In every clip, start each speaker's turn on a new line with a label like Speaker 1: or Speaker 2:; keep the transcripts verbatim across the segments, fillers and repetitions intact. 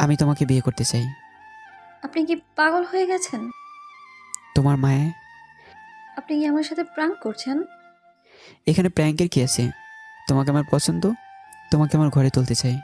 Speaker 1: আমি তোমাকে বিয়ে করতে চাই।
Speaker 2: আপনি কি পাগল হয়ে গেছেন?
Speaker 1: তোমার মায়ে।
Speaker 2: আপনি কি আমার সাথে প্র্যাঙ্ক করছেন?
Speaker 1: এখানে প্র্যাঙ্কের কি আছে? তোমাকে আমার পছন্দ, তোমাকে আমার ঘরে তুলতে চাই।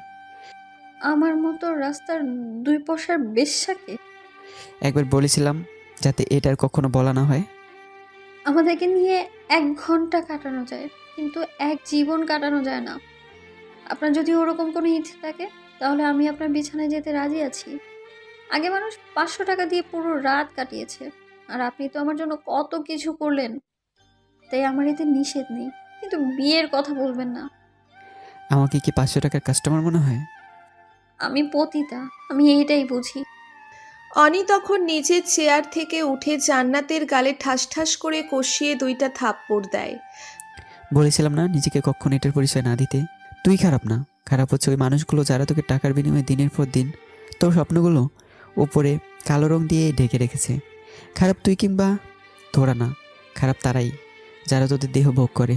Speaker 2: আমার মতো রাস্তার দুই পয়সার বেশ্যাকে?
Speaker 1: একবার বলেছিলাম যাতে এটার কখনো বলা না হয়।
Speaker 2: আমাদেরকে নিয়ে এক ঘন্টা কাটানো যায়, কিন্তু এক জীবন কাটানো যায় না। আপনার যদি ওরকম কোনো ইচ্ছে থাকে, তাহলে আমি আপনার বিছানায় যেতে রাজি আছি। আগে মানুষ পাঁচশো টাকা দিয়ে পুরো রাত কাটিয়েছে, আর আপনি তো আমার জন্য কত কিছু করলেন। তাই আমার এতে নিষেধ নেই, কিন্তু বিয়ের কথা বলবেন না।
Speaker 1: আমাকে কি পাঁচশো টাকার কাস্টমার মনে হয়?
Speaker 2: আমি পতিতা, আমি এইটাই বুঝি।
Speaker 3: অনি তখন নিজের চেয়ার থেকে উঠে জান্নাতের গালে ঠাস ঠাস করে কষিয়ে দুইটা থাপ্পড় দেয়।
Speaker 1: বলেছিলাম না নিজেকে কখনো এটার পরিচয় না দিতে। তুই খারাপ না, খারাপ হচ্ছে ওই মানুষগুলো যারা তোকে টাকার বিনিময়ে দিনের পর দিন তোর স্বপ্নগুলো উপরে কালো রং দিয়ে ঢেকে রেখেছে। খারাপ তুই কিংবা তোরা না, খারাপ তারাই যারা তোদের দেহ ভোগ করে।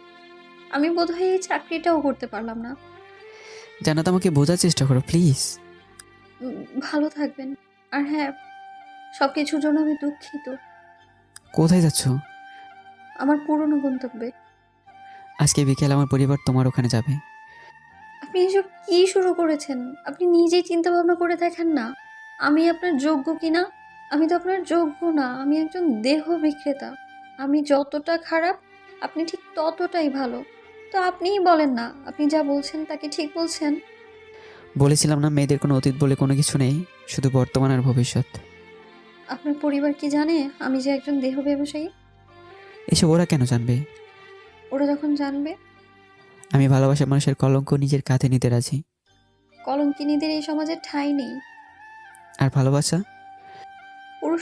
Speaker 2: আমি বোধহয় এই চাকরিটাও করতে পারলাম না।
Speaker 1: জান্নাত, আমাকে বোঝার চেষ্টা করো প্লিজ।
Speaker 2: উম, ভালো থাকবেন। আর হ্যাঁ, সব কিছুর জন্য আমি দুঃখিত।
Speaker 1: কোথায় যাচ্ছ?
Speaker 2: আমার পুরনো গন্তব্যে।
Speaker 1: আজকে বিকেল আমার পরিবার তোমার ওখানে যাবে।
Speaker 2: আপনি এসব কি শুরু করেছেন? আপনি নিজেই চিন্তা ভাবনা করে দেখেন না, আমি আপনার যোগ্য কিনা। আমি তো আপনার যোগ্য না, আমি একজন দেহ বিক্রেতা। আমি যতটা খারাপ, আপনি ঠিক ততটাই ভালো। তো আপনিই বলেন না, আপনি যা বলছেন তাকে ঠিক বলছেন?
Speaker 1: বলেছিলাম না মেয়েদের কোনো অতীত বলে কোনো কিছু নেই, শুধু বর্তমান আর ভবিষ্যৎ।
Speaker 2: আপনার পরিবার কি জানে আমি যে একজন দেহ ব্যবসায়ী?
Speaker 1: এসব ওরা কেন জানবে?
Speaker 2: ওরা যখন জানবে?
Speaker 1: আমি ভালোবাসার মানুষের কলঙ্ক নিজের কাঁধে নিতে রাজি।
Speaker 2: কলঙ্কিনীদের এই সমাজে ঠাঁই নেই।
Speaker 1: আর ভালোবাসা